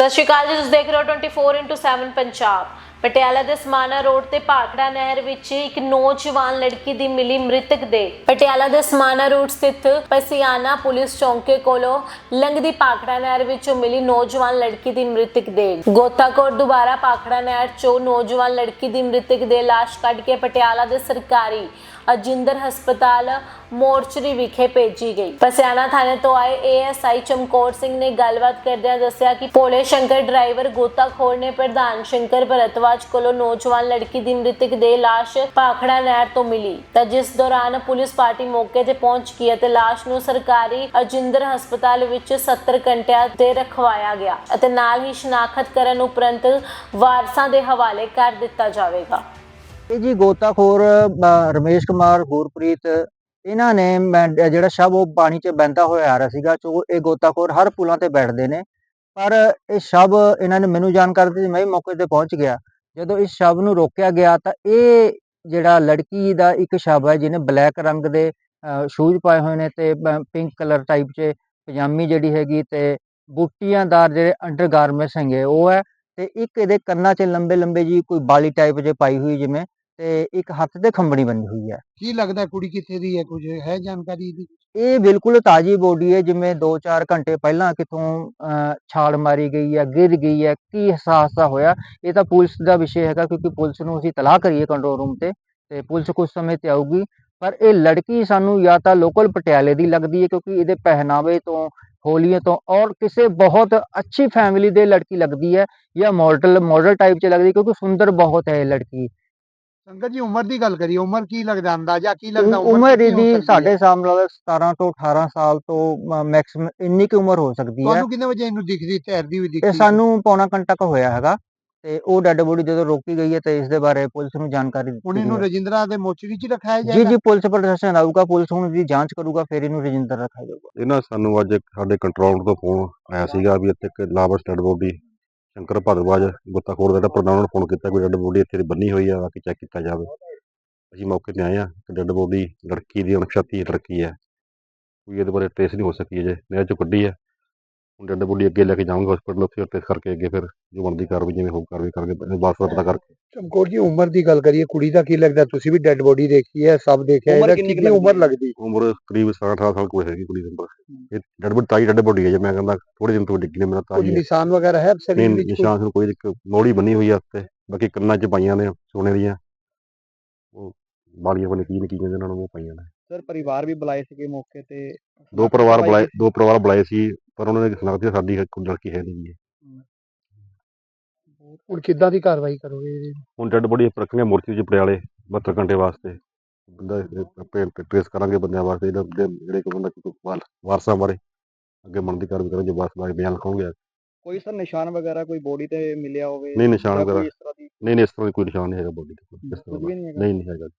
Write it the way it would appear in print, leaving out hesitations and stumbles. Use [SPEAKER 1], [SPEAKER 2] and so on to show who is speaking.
[SPEAKER 1] ਸਤਿ ਸ਼੍ਰੀ ਅਕਾਲ ਜੀ, ਤੁਸੀਂ ਦੇਖ ਰਹੇ ਹੋ 24x7 ਪੰਜਾਬ। ਪਟਿਆਲਾ ਦੇ ਸਮਾਣਾ ਰੋਡ ਤੇ ਭਾਖੜਾ ਨਹਿਰ ਵਿੱਚ ਇੱਕ ਨੌਜਵਾਨ ਲੜਕੀ ਦੀ ਮਿਲੀ ਮ੍ਰਿਤਕ ਦੇਹ। ਪਟਿਆਲਾ ਦੇ ਸਮਾਣਾ ਰੋਡ ਸਥਿਤ ਪਸੀਆਣਾ ਪੁਲਿਸ ਚੌਂਕੇ ਕੋਲੋਂ ਲੰਘਦੀ ਭਾਖੜਾ ਨਹਿਰ ਵਿੱਚੋਂ ਮਿਲੀ ਨੌਜਵਾਨ ਲੜਕੀ ਦੀ ਮ੍ਰਿਤਕ ਦੇਹ। ਗੋਤਾਖੋਰ ਦੁਬਾਰਾ ਭਾਖੜਾ ਨਹਿਰ ਚੋਂ ਨੌਜਵਾਨ ਲੜਕੀ ਦੀ ਮ੍ਰਿਤਕ ਦੇਹ ਲਾਸ਼ ਕੱਢ ਕੇ ਪਟਿਆਲਾ ਦੇ ਸਰਕਾਰੀ ਅਜਿੰਦਰ ਹਸਪਤਾਲ ਮੋਰਚਰੀ ਵਿਖੇ ਭੇਜੀ ਗਈ। ਪਸਿਆਣਾ ਥਾਣੇ ਤੋਂ ਆਏ ਏਐਸਆਈ ਚਮਕੌਰ ਸਿੰਘ ਨੇ ਗੱਲਬਾਤ ਕਰਦਿਆਂ ਦੱਸਿਆ ਕਿ ਭੋਲੇ ਸ਼ੰਕਰ ਡਰਾਈਵਰ ਗੋਤਾਖੋਰ ਨੇ ਪ੍ਰਧਾਨ ਸ਼ੰਕਰ ਭਰਤਵਾਜ ਕੋਲੋਂ ਨੌਜਵਾਨ ਲੜਕੀ ਦੀ ਮ੍ਰਿਤਕ ਦੇਹ ਲਾਸ਼ ਭਾਖੜਾ ਨਹਿਰ ਤੋਂ ਮਿਲੀ ਤਾਂ ਜਿਸ ਦੌਰਾਨ ਪੁਲਿਸ ਪਾਰਟੀ ਮੌਕੇ ਤੇ ਪਹੁੰਚ ਗਈ ਅਤੇ ਲਾਸ਼ ਨੂੰ ਸਰਕਾਰੀ ਅਜਿੰਦਰ ਹਸਪਤਾਲ ਵਿੱਚ 70 ਘੰਟਿਆਂ ਤੇ ਰਖਵਾਇਆ ਗਿਆ ਅਤੇ ਨਾਲ ਹੀ ਸ਼ਨਾਖਤ ਕਰਨ ਉਪਰੰਤ ਵਾਰਸਾਂ ਦੇ ਹਵਾਲੇ ਕਰ ਦਿੱਤਾ ਜਾਵੇਗਾ।
[SPEAKER 2] ਇਹ ਜੀ ਗੋਤਾਖੋਰ ਰਮੇਸ਼ ਕੁਮਾਰ ਗੁਰਪ੍ਰੀਤ ਇਹਨਾਂ ਨੇ ਜਿਹੜਾ ਸ਼ਵ ਉਹ ਪਾਣੀ 'ਚ ਬਹਿੰਦਾ ਹੋਇਆ ਆ ਰਿਹਾ ਸੀਗਾ। ਚੋ ਇਹ ਗੋਤਾਖੋਰ ਹਰ ਪੁਲਾਂ ਤੇ ਬੈਠਦੇ ਨੇ, ਪਰ ਇਹ ਸ਼ਵ ਇਹਨਾਂ ਨੇ ਮੈਨੂੰ ਜਾਣਕਾਰੀ ਦਿੱਤੀ, ਮੈਂ ਵੀ ਮੌਕੇ ਤੇ ਪਹੁੰਚ ਗਿਆ। ਜਦੋਂ ਇਸ ਸ਼ਵ ਨੂੰ ਰੋਕਿਆ ਗਿਆ ਤਾਂ ਇਹ ਜਿਹੜਾ ਲੜਕੀ ਦਾ ਇੱਕ ਸ਼ਵ ਹੈ ਜਿਹਨੇ ਬਲੈਕ ਰੰਗ ਦੇ ਸ਼ੂਜ਼ ਪਾਏ ਹੋਏ ਨੇ ਤੇ ਪਿੰਕ ਕਲਰ ਟਾਈਪ 'ਚ ਪਜਾਮੀ ਜਿਹੜੀ ਹੈਗੀ ਤੇ ਬੂਟੀਆਂਦਾਰ ਜਿਹੜੇ ਅੰਡਰਗਾਰਮੈਂਟਸ ਹੈਗੇ ਉਹ ਹੈ, ਤੇ ਇੱਕ ਇਹਦੇ ਕੰਨਾਂ 'ਚ ਲੰਬੇ ਲੰਬੇ ਜੀ ਕੋਈ ਬਾਲੀ ਟਾਈਪ 'ਚ ਪਾਈ ਹੋਈ ਜਿਵੇਂ, ਤੇ ਇੱਕ ਹੱਥ ਤੇ ਖੰਬਣੀ ਬੰਨੀ ਹੋਈ ਹੈ।
[SPEAKER 3] ਕੀ ਲੱਗਦਾ ਕੁੜੀ ਕਿੱਥੇ ਦੀ ਹੈ, ਕੁਝ ਹੈ ਜਾਣਕਾਰੀ ਇਹਦੀ?
[SPEAKER 2] ਇਹ ਬਿਲਕੁਲ ਤਾਜ਼ੀ ਬੋਡੀ ਹੈ, ਜਿਵੇਂ 2-4 ਘੰਟੇ ਪਹਿਲਾਂ ਕਿਤੋਂ ਛਾਲ ਮਾਰੀ ਗਈ ਹੈ, ਗਿਰ ਗਈ ਹੈ। ਕੀ ਹਾਦਸਾ ਹੋਇਆ ਇਹ ਤਾਂ ਪੁਲਿਸ ਦਾ ਵਿਸ਼ੇ ਹੈਗਾ, ਕਿਉਂਕਿ ਪੁਲਿਸ ਨੂੰ ਅਸੀਂ ਤਲਾਹ ਕਰੀਏ ਕੰਟਰੋਲ ਰੂਮ ਤੇ ਪੁਲਿਸ ਕੁਝ ਸਮੇਂ ਤੇ ਆਊਗੀ। ਪਰ ਇਹ ਲੜਕੀ ਸਾਨੂੰ ਜਾਂ ਤਾਂ ਲੋਕਲ ਪਟਿਆਲੇ ਦੀ ਲੱਗਦੀ ਹੈ, ਕਿਉਂਕਿ ਇਹਦੇ ਪਹਿਨਾਵੇ ਤੋਂ, ਹੋਲੀਏ ਤੋਂ ਔਰ ਕਿਸੇ ਬਹੁਤ ਅੱਛੀ ਫੈਮਿਲੀ ਦੇ ਲੜਕੀ ਲੱਗਦੀ ਹੈ, ਜਾਂ ਮਾਡਲ ਟਾਈਪ 'ਚ ਲੱਗਦੀ, ਕਿਉਂਕਿ ਸੁੰਦਰ ਬਹੁਤ ਹੈ ਇਹ ਲੜਕੀ।
[SPEAKER 3] ਸੰਗਤ ਜੀ ਉਮਰ ਦੀ ਗੱਲ ਕਰੀਏ, ਉਮਰ ਕੀ ਲੱਗਦਾ, ਅੰਦਾਜ਼ਾ ਕੀ ਲੱਗਦਾ?
[SPEAKER 2] ਉਮਰ ਇਹਦੀ ਸਾਡੇ ਹਿਸਾਬ ਨਾਲ 17 ਤੋਂ 18 ਸਾਲ ਤੋਂ ਮੈਕਸਿਮਮ ਇੰਨੀ ਕੁ ਉਮਰ ਹੋ ਸਕਦੀ ਹੈ।
[SPEAKER 3] ਤੁਹਾਨੂੰ ਕਿੰਨੇ ਵਜੇ ਇਹਨੂੰ ਦਿਖਦੀ, ਤੈਰਦੀ ਹੋਈ ਦਿਖਦੀ?
[SPEAKER 2] ਇਹ ਸਾਨੂੰ ਪੌਣਾ ਘੰਟਾ ਕੁ ਹੋਇਆ ਹੈਗਾ, ਤੇ ਉਹ ਡੈਡ ਬੋਡੀ ਜਦੋਂ ਰੋਕੀ ਗਈ ਹੈ ਤੇ ਇਸ ਦੇ ਬਾਰੇ ਪੁਲਿਸ ਨੂੰ ਜਾਣਕਾਰੀ
[SPEAKER 3] ਹੁਣ
[SPEAKER 2] ਦਿੱਤੀ
[SPEAKER 3] ਇਹਨੂੰ
[SPEAKER 2] ਗਈ ਹੈ।
[SPEAKER 3] ਰਜਿੰਦਰਾ ਦੇ ਮੋਚਰੀ 'ਚ ਰਖਾਇਆ
[SPEAKER 2] ਜੀ
[SPEAKER 3] ਜਾਏਗਾ?
[SPEAKER 2] ਜੀ ਪੁਲਿਸ ਪ੍ਰਸ਼ਾਸਨ ਆਊਗਾ, ਪੁਲਿਸ ਹੁਣ ਦੀ ਜਾਂਚ ਕਰੂਗਾ, ਫਿਰ ਇਹਨੂੰ ਰਜਿੰਦਰ ਰੱਖਿਆ ਜਾਊਗਾ।
[SPEAKER 4] ਇਹਨਾਂ ਸਾਨੂੰ ਅੱਜ ਸਾਡੇ ਕੰਟਰੋਲ ਤੋਂ ਫੋਨ ਆਇਆ ਸੀਗਾ ਵੀ ਇੱਥੇ ਇੱਕ ਲਾਵਾਰਸ ਡੈਡ ਬੋਡੀ ਸ਼ੰਕਰ ਭਾਰਤਵਾਜ ਗੋਤਾਖੋਰ ਦਾ ਜਿਹੜਾ ਪ੍ਰਧਾਨ ਨੂੰ ਫੋਨ ਕੀਤਾ, ਕੋਈ ਡੈਡ ਬੋਡੀ ਇੱਥੇ ਬੰਨੀ ਹੋਈ ਆ, ਬਾਕੀ ਚੈੱਕ ਕੀਤਾ ਜਾਵੇ। ਅਸੀਂ ਮੌਕੇ ਤੇ ਆਏ ਆ, ਡੈਡ ਬੋਡੀ ਲੜਕੀ ਦੀ ਅਣਪਛਾਤੀ ਲੜਕੀ ਹੈ, ਕੋਈ ਇਹਦੇ ਬਾਰੇ ਟ੍ਰੇਸ ਨਹੀਂ ਹੋ ਸਕੀ ਅਜੇ, ਨਹਿਰ ਚੋਂ ਕੱਢੀ ਹੈ। ਹੁਣ ਡੈਡ ਬੋਡੀ ਅੱਗੇ ਲੈ ਕੇ ਜਾਵਾਂਗੇ ਹਸਪੀਟਲ, ਉੱਥੇ ਟ੍ਰੇਸ ਕਰਕੇ ਅੱਗੇ ਫਿਰ ਜੋ ਬਣਦੀ ਕਾਰਵਾਈ ਜਿਵੇਂ ਹੋਊ ਕਾਰਵਾਈ ਕਰਕੇ ਵਾਰਸ ਦਾ ਪਤਾ ਕਰਕੇ।
[SPEAKER 3] ਚਮਕੌਰ ਜੀ ਉਮਰ ਦੀ ਗੱਲ ਕਰੀਏ, ਕੁੜੀ ਦਾ ਕੀ ਲੱਗਦਾ? ਤੁਸੀਂ ਵੀ ਡੈਡ ਬੋਡੀ ਦੇਖੀ ਹੈ, ਸਭ ਦੇਖਿਆ, ਇਹਦਾ ਕਿੰਨੀ ਉਮਰ ਲੱਗਦੀ?
[SPEAKER 4] ਉਮਰ ਕਰੀਬ 17-18 ਸਾਲ ਕੋਈ ਹੈਗੀ ਕੁੜੀ ਦੀ ਉਮਰ। ਇਹ ਡੈਡ ਬੋਡੀ ਤਾਈ ਡੈਡ ਬੋਡੀ ਹੈ ਜੇ, ਮੈਂ ਕਹਿੰਦਾ ਥੋੜੇ ਦਿਨ ਤੋਂ ਡਿੱਗੀ ਨੇ, ਮੇਰਾ
[SPEAKER 3] ਕੁਝ
[SPEAKER 4] ਤਾਈ ਹੈ।
[SPEAKER 3] ਨਿਸ਼ਾਨ ਵਗੈਰਾ ਹੈ ਸਰੀਰ
[SPEAKER 4] ਨਹੀਂ
[SPEAKER 3] ਵਿੱਚ?
[SPEAKER 4] ਨਿਸ਼ਾਨ ਨੂੰ ਕੋਈ ਮੋੜੀ ਬੰਨੀ ਹੋਈ ਆ ਉੱਤੇ, ਬਾਕੀ ਕੰਨਾਂ 'ਚ ਪਾਈਆਂ ਨੇ ਸੋਨੇ ਦੀਆਂ, ਉਹ ਬਾਲੀਆਂ ਬਣੇ ਕੀ ਕਹਿੰਦੇ ਉਹਨਾਂ ਨੂੰ, ਉਹ ਪਾਈਆਂ ਨੇ।
[SPEAKER 3] ਸਰ ਪਰਿਵਾਰ ਵੀ ਬੁਲਾਏ ਸੀਗੇ ਮੌਕੇ ਤੇ?
[SPEAKER 4] ਦੋ ਪਰਿਵਾਰ ਬੁਲਾਏ ਸੀ, ਪਰ ਉਹਨਾਂ ਨੇ ਸੁਣਾ ਦਿੱਤੀ ਸਾਡੀ ਕੋਈ ਲੜਕੀ ਹੈ ਨਹੀਂ ਜੀ।
[SPEAKER 3] ਹੁਣ ਕਿੱਦਾਂ ਦੀ ਕਾਰਵਾਈ ਕਰੋਗੇ ਇਹਦੀ?
[SPEAKER 4] ਹੁਣ ਡੈਡ ਬੋਡੀ ਰੱਖਣਗੇ ਮੋਰਚੀ 'ਚ ਪਟਿਆਲੇ 72 ਘੰਟੇ ਵਾਸਤੇ, ਬੰਦਾ ਆਪੇ ਟ੍ਰੇਸ ਕਰਾਂਗੇ ਬੰਦਿਆਂ ਵਾਸਤੇ, ਜਿਹੜੇ ਕੋਈ ਬੰਦਾ ਵਾਰਸਾਂ ਬਾਰੇ ਅੱਗੇ ਬਣਦੀ ਕਾਰਵਾਈ ਕਰਾਂਗੇ, ਵਾਰਸ ਬਾਰੇ ਬਿਆਨ ਲਿਖਾਉਂਗੇ।
[SPEAKER 3] ਕੋਈ ਸਰ ਨਿਸ਼ਾਨ ਵਗੈਰਾ ਕੋਈ ਬੋਡੀ ਤੇ ਮਿਲਿਆ ਹੋਵੇ?
[SPEAKER 4] ਨਹੀਂ ਨਿਸ਼ਾਨ ਵਗੈਰਾ
[SPEAKER 3] ਇਸ ਤਰ੍ਹਾਂ ਦੀ
[SPEAKER 4] ਨਹੀਂ ਇਸ ਤਰ੍ਹਾਂ ਕੋਈ ਨਿਸ਼ਾਨ ਨਹੀਂ ਹੈਗਾ ਬੋਡੀ ਤੇ, ਇਸ ਤਰ੍ਹਾਂ ਦਾ ਨਹੀਂ ਹੈਗਾ।